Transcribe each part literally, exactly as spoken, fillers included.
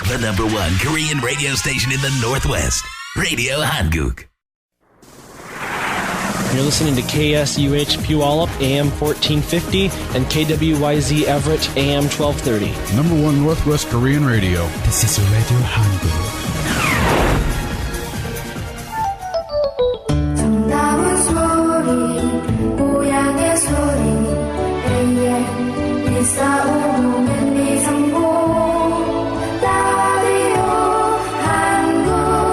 The number one Korean radio station in the Northwest. Radio Hanguk. You're listening to K S U H Puyallup, A M fourteen fifty, and K W Y Z Everett, A M twelve thirty. Number one Northwest Korean radio. This is Radio Hanguk. 정다운 소리, 고향의 소리, 에이엠 일사오오는 미성공, 라디오 한국.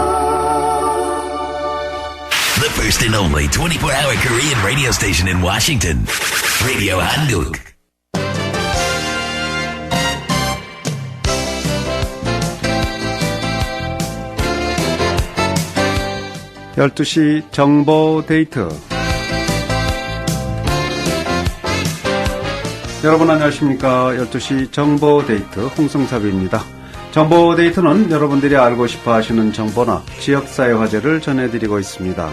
The first and only twenty-four hour Korean radio station in Washington. Radio Hanguk. 열두 시 정보 데이트. 여러분 안녕하십니까. 열두 시 정보 데이트 홍승섭입니다. 정보 데이트는 여러분들이 알고 싶어 하시는 정보나 지역사회 화제를 전해드리고 있습니다.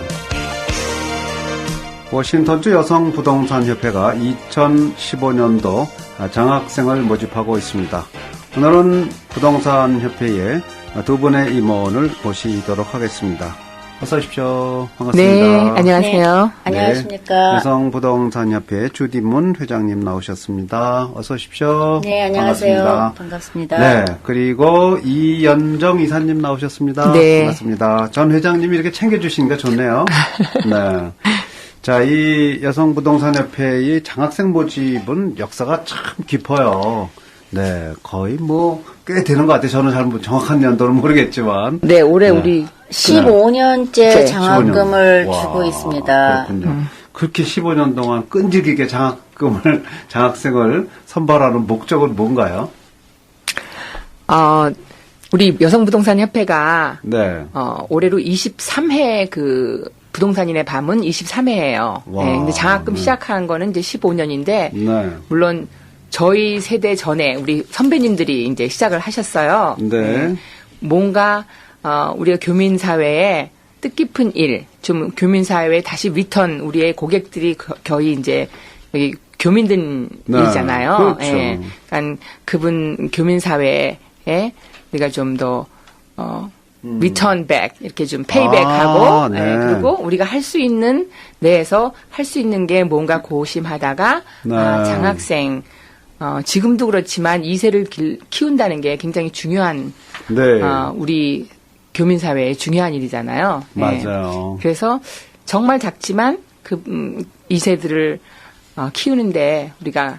워싱턴주 여성부동산협회가 이천십오 년도 장학생을 모집하고 있습니다. 오늘은 부동산협회의 두 분의 임원을 모시도록 하겠습니다. 어서 오십시오. 반갑습니다. 네, 안녕하세요. 네, 안녕하십니까. 네, 여성부동산협회 주디문 회장님 나오셨습니다. 어서 오십시오. 네, 안녕하세요. 반갑습니다. 반갑습니다. 네, 그리고 이연정 이사님 나오셨습니다. 네. 반갑습니다. 전 회장님이 이렇게 챙겨주시니까 좋네요. 네. 자, 이 여성부동산협회의 장학생 모집은 역사가 참 깊어요. 네, 거의 뭐, 꽤 되는 것 같아요. 저는 잘 정확한 연도는 모르겠지만. 네, 올해 네. 우리 십오 년째 네. 장학금을 십오 년. 주고 와, 있습니다. 그렇군요. 음. 그렇게 십오 년 동안 끈질기게 장학금을, 장학생을 선발하는 목적은 뭔가요? 어, 우리 여성부동산협회가 네. 어, 올해로 이십삼 회 그 부동산인의 밤은 이십삼 회예요. 와. 네, 근데 장학금 네. 시작한 거는 이제 십오 년인데 네. 물론 저희 세대 전에 우리 선배님들이 이제 시작을 하셨어요. 네. 뭔가 어, 우리가 교민 사회에 뜻깊은 일, 좀 교민 사회에 다시 리턴 우리의 고객들이 거, 거의 이제 여기 교민들이잖아요. 네, 그렇죠. 예. 그러니까 그분 교민 사회에 우리가 좀 더 어, 리턴 백 이렇게 좀 페이백하고 아, 네. 예, 그리고 우리가 할 수 있는 내에서 할 수 있는 게 뭔가 고심하다가 네. 아, 장학생 어, 지금도 그렇지만 이 세를 길, 키운다는 게 굉장히 중요한 네. 어, 우리 교민 사회의 중요한 일이잖아요. 예. 맞아요. 그래서 정말 작지만 그 음, 이 세들을 어, 키우는데 우리가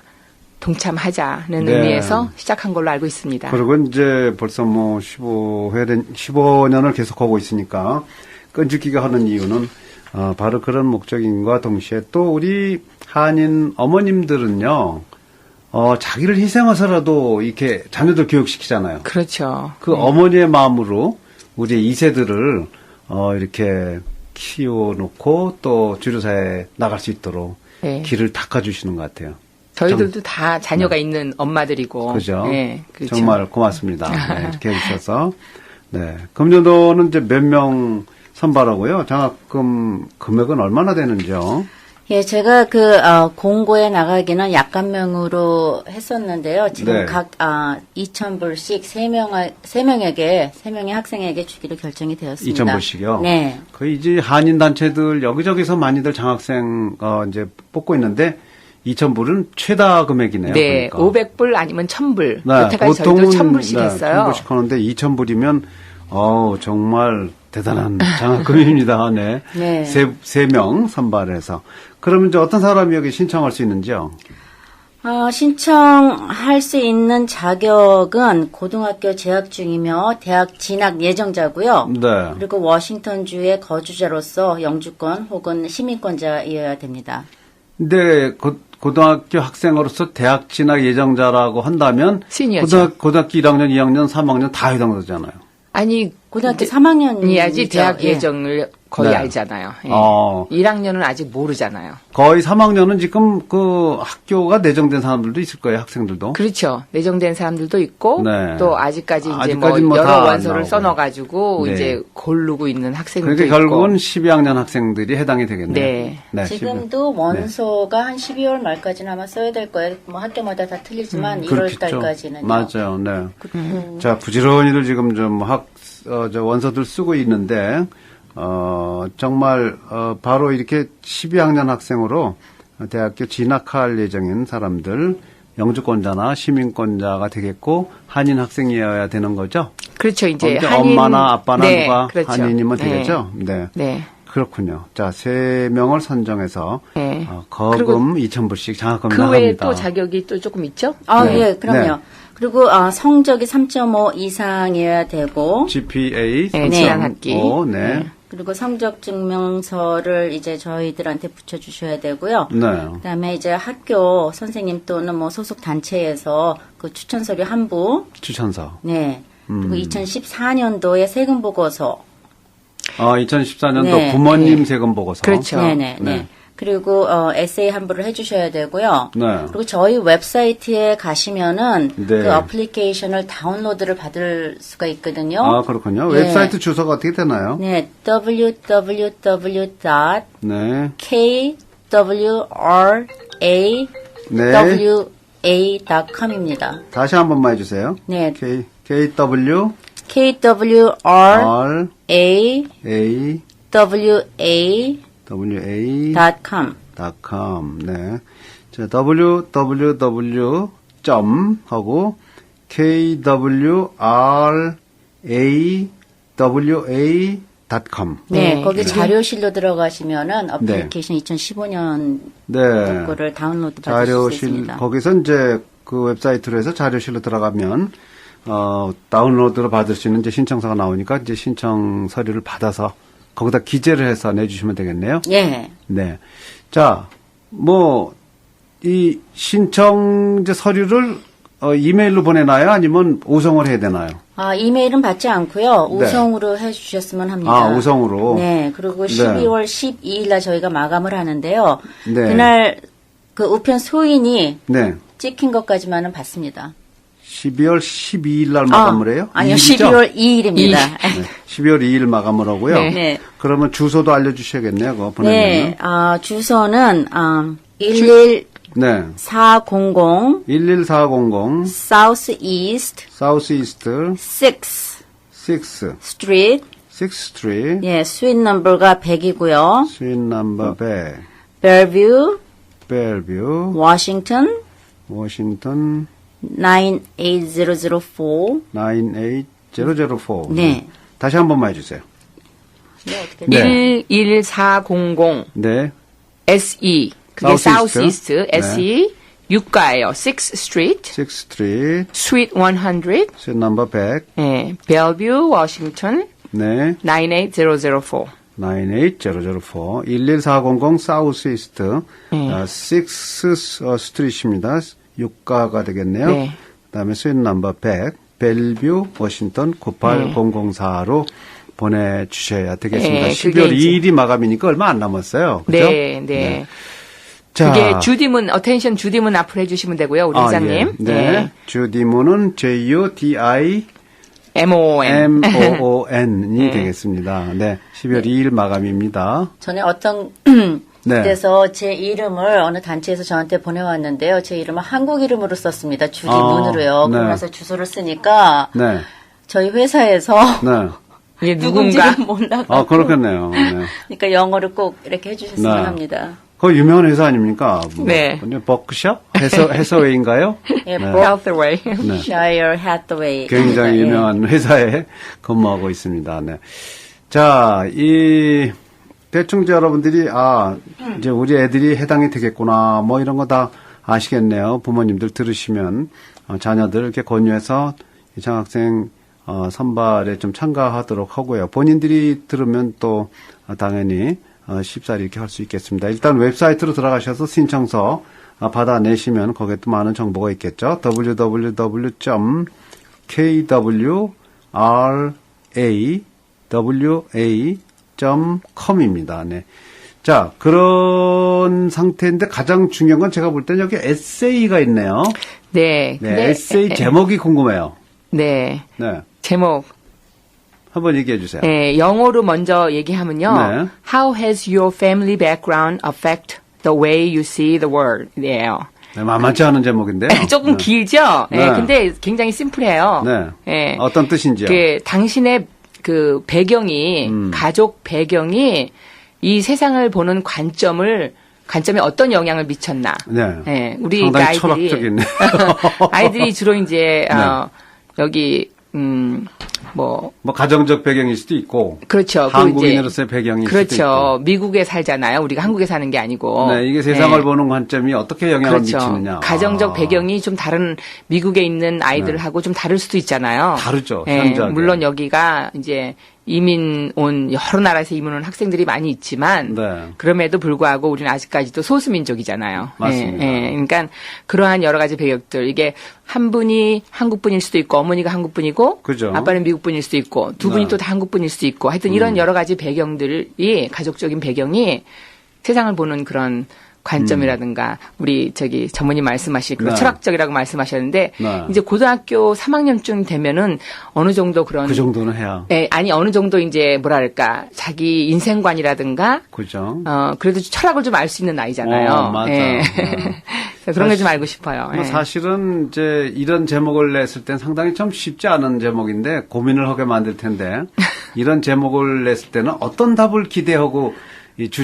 동참하자는 네. 의미에서 시작한 걸로 알고 있습니다. 그리고 이제 벌써 뭐 십오 회 된, 십오 년을 계속하고 있으니까 끈질기게 하는 이유는 어, 바로 그런 목적인과 동시에 또 우리 한인 어머님들은요, 어, 자기를 희생해서라도 이렇게 자녀들 교육시키잖아요. 그렇죠. 그 네. 어머니의 마음으로 우리 이 세들을 어, 이렇게 키워놓고 또 주류사회에 나갈 수 있도록 네. 길을 닦아주시는 것 같아요. 저희들도 다 자녀가 있는 엄마들이고. 그죠? 네, 그렇죠. 정말 고맙습니다. 네, 이렇게 해주셔서. 네. 금년도는 이제 몇 명 선발하고요. 장학금 금액은 얼마나 되는지요? 예, 제가 그 어, 공고에 나가기는 약간명으로 했었는데요. 지금 네. 각 아, 이천 불씩 세 명, 세 명에게, 세 명의 학생에게 주기로 결정이 되었습니다. 이천 불씩이요? 네. 거의 이제 한인단체들 여기저기서 많이들 장학생, 어, 이제 뽑고 있는데, 이천 불은 최다 금액이네요. 네, 그러니까. 오백 불 아니면 천 불. 네, 여태까지 저희도 천 불씩 네, 했어요. 천 불씩 하는데 이천 불이면, 어우, 정말 대단한 장학금입니다. 네. 네. 세, 세 명 선발해서. 그러면 이제 어떤 사람이 여기 신청할 수 있는지요? 어, 신청할 수 있는 자격은 고등학교 재학 중이며 대학 진학 예정자고요. 네. 그리고 워싱턴주의 거주자로서 영주권 혹은 시민권자이어야 됩니다. 근데 고, 고등학교 학생으로서 대학 진학 예정자라고 한다면 시니어죠. 고등학, 고등학교 일 학년, 이 학년, 삼 학년 다 해당되잖아요. 아니 고등학교 삼 학년이죠. 이야지 대학 예. 예정을 거의 네. 알잖아요. 예. 어. 일 학년은 아직 모르잖아요. 거의 삼 학년은 지금 그 학교가 내정된 사람들도 있을 거예요, 학생들도. 그렇죠. 내정된 사람들도 있고 네. 또 아직까지 이제 아직까지 뭐 뭐 여러 다안 원서를 나오고요. 써놔가지고 네. 이제 고르고 있는 학생들도 그러니까 있고. 결국은 십이 학년 학생들이 해당이 되겠네요. 네. 지금도 원서가 한 십이월 말까지는 아마 써야 될 거예요. 뭐 학교마다 다 틀리지만 음, 일월 그렇겠죠. 달까지는요. 맞아요. 네. 음. 자, 부지런히들 지금 좀 학, 어, 저 원서들 쓰고 있는데, 어, 정말, 어, 바로 이렇게 십이 학년 학생으로 대학교 진학할 예정인 사람들, 영주권자나 시민권자가 되겠고, 한인 학생이어야 되는 거죠? 그렇죠. 이제 언제 한인 엄마나 아빠나 네, 누가 그렇죠. 한인이면 네. 되겠죠? 네. 네. 그렇군요. 자, 세 명을 선정해서, 네. 어, 거금 이천 불씩 장학금 그 외에 나갑니다. 또 자격이 또 조금 있죠? 아, 네. 예, 그럼요. 네. 그리고 아, 성적이 삼 점 오 이상이어야 되고 지피에이 네, 삼 점 지난 학기. 오, 네. 그리고 성적 증명서를 이제 저희들한테 붙여주셔야 되고요. 네. 그다음에 이제 학교 선생님 또는 뭐 소속 단체에서 그 추천 서류 한 부, 추천서. 네. 그리고 음. 이천십사 년도에 세금 보고서, 아, 이천십사 년도 네, 부모님 네. 세금 보고서. 그렇죠. 네네, 네. 네. 그리고 어, 에세이 한 부를 해주셔야 되고요. 네. 그리고 저희 웹사이트에 가시면은 네. 그 어플리케이션을 다운로드를 받을 수가 있거든요. 아, 그렇군요. 네. 웹사이트 주소가 어떻게 되나요? 네, 더블유 더블유 더블유 닷 네. 케이더블유알에이 네. 더블유에이 닷 컴입니다. 다시 한 번만 해주세요. 네, K, KW, 케이더블유알에이 R, A, 더블유에이 WA, 닷 컴. .com. 네. 자, www. 점 하고 kwrawa 닷 컴. 네, 네. 거기 네. 자료실로 들어가시면은 어플리케이션 이천십오 년 네. 거를 다운로드 받으실 수 자료실 있습니다. 거기서 이제 그 웹사이트로 해서 자료실로 들어가면 어 다운로드로 받을 수 있는 이제 신청서가 나오니까 이제 신청 서류를 받아서 거기다 기재를 해서 내주시면 되겠네요. 예. 네. 자, 뭐 이 신청 이제 서류를 어, 이메일로 보내나요? 아니면 우성을 해야 되나요? 아, 이메일은 받지 않고요. 네. 우성으로 해주셨으면 합니다. 아, 우성으로. 네, 그리고 네. 십이월 십이일 날 저희가 마감을 하는데요. 네. 그날 그 우편 소인이 네. 찍힌 것까지만은 받습니다. 십이월 십이일 날 마감을 해요? 아, 아니요, 이일이죠? 십이월 이일입니다. 네. 십이월 이일 마감을 하고요. 네. 네. 그러면 주소도 알려주셔야겠네요. 그거 보내면. 네, 아, 주소는 아, 일일사공공 네. 일일사공공 South East South East six six Street. sixth Street 예, 스윗 넘버가 백이고요. Suite number 백 Bellevue, Bellevue Washington Washington 나인에잇 제로제로사. 나인에잇 제로제로사. 네. 다시 한 번만 해주세요. 네, 어떻게 네. 일일사공공 네. 에스이 그게 South 사우스 East. 이스트 에스이 육가예요. sixth Street, sixth Street Suite 백. Suite number 백 네, Bellevue, Washington 네. 나인에잇 제로제로사. 나인에잇 제로제로사 일일사공공 사우스 이스트 네. 식스 어, 스트리트입니다. 육가가 되겠네요. 네. 그다음에 스윗 넘버 백 벨뷰 워싱턴 구팔공공사로 보내주셔야 되겠습니다. 네, 십이월 그게 이제- 이일이 마감이니까 얼마 안 남았어요. 그죠? 네, 네. 자, 그게 주디문 어텐션 주디문 앞으로 해주시면 되고요, 우리 아, 회장님. 예. 네. 주디문은 제이 오 디 아이 엠오엔. 엠 오 오 엔이 네. 되겠습니다. 네. 십이월 이일 마감입니다. 전에 어떤 네. 데서 제 이름을 어느 단체에서 저한테 보내왔는데요. 제 이름을 한국 이름으로 썼습니다. 주디 아, 문으로요. 네. 그러면서 주소를 쓰니까 네. 저희 회사에서 네. 이게 누군가. 누군지는 몰라가지고 아, 그렇겠네요. 네. 그러니까 영어를 꼭 이렇게 해주셨으면 네. 합니다. 그 유명한 회사 아닙니까? 뭐, 네. 버크셔? 해서, 해서웨이인가요? 예, 네. Healthway. 네. Shire Hathaway. 굉장히 예. 유명한 회사에 근무하고 있습니다. 네. 자, 이, 대충 이제 여러분들이, 아, 이제 우리 애들이 해당이 되겠구나, 뭐 이런 거 다 아시겠네요. 부모님들 들으시면, 어, 자녀들 이렇게 권유해서 이 장학생, 어, 선발에 좀 참가하도록 하고요. 본인들이 들으면 또, 어, 당연히, 어, 쉽사리 이렇게 할 수 있겠습니다. 일단 웹사이트로 들어가셔서 신청서 어, 받아내시면 거기에 또 많은 정보가 있겠죠. 더블유 더블유 더블유 점 케이더블유알에이 a w a 점 com입니다. 네. 자, 그런 상태인데 가장 중요한 건 제가 볼 때는 여기 에세이가 있네요. 네. 네, 근데 에세이 에, 제목이 궁금해요. 네. 네. 제목. 한번 얘기해 주세요. 네, 영어로 먼저 얘기하면요. 네. How has your family background affect the way you see the world? 이에요. 네, 만만치 않은 제목인데요. 조금 네. 길죠? 네. 네. 근데 굉장히 심플해요. 네. 네. 어떤 뜻인지요? 그 당신의 그 배경이 음. 가족 배경이 이 세상을 보는 관점을 관점에 어떤 영향을 미쳤나? 네. 네, 우리 상당히 아이들이 철학적이네요. 아이들이 주로 이제 네. 어, 여기 음 뭐 뭐 가정적 배경일 수도 있고, 그렇죠. 그 한국인으로서의 배경일 수도 있고. 그렇죠. 미국에 살잖아요. 우리가 한국에 사는 게 아니고. 네, 이게 세상을 네. 보는 관점이 어떻게 영향을 그렇죠. 미치느냐. 가정적 아. 배경이 좀 다른 미국에 있는 아이들하고 좀 다를 수도 있잖아요. 다르죠, 예, 현저하게. 물론 여기가 이제 이민 온 여러 나라에서 이민 온 학생들이 많이 있지만 네. 그럼에도 불구하고 우리는 아직까지도 소수민족이잖아요. 맞습니다. 예, 예. 그러니까 그러한 여러 가지 배경들 이게 한 분이 한국분일 수도 있고 어머니가 한국분이고 그죠. 아빠는 미국분일 수도 있고 두 분이 네. 또 다 한국분일 수도 있고 하여튼 이런 여러 가지 배경들이 가족적인 배경이 세상을 보는 그런 관점이라든가 우리 저기 전무님 말씀하신 그런 네. 철학적이라고 말씀하셨는데 네. 이제 고등학교 삼 학년쯤 되면은 어느 정도 그런 그 정도는 해야. 예, 아니 어느 정도 이제 뭐랄까 자기 인생관이라든가 그죠. 어 그래도 철학을 좀 알 수 있는 나이잖아요. 어, 맞아요. 예. 네. 그런 걸 좀 알고 싶어요. 뭐 예. 사실은 이제 이런 제목을 냈을 땐 상당히 좀 쉽지 않은 제목인데 고민을 하게 만들 텐데 이런 제목을 냈을 때는 어떤 답을 기대하고 이 주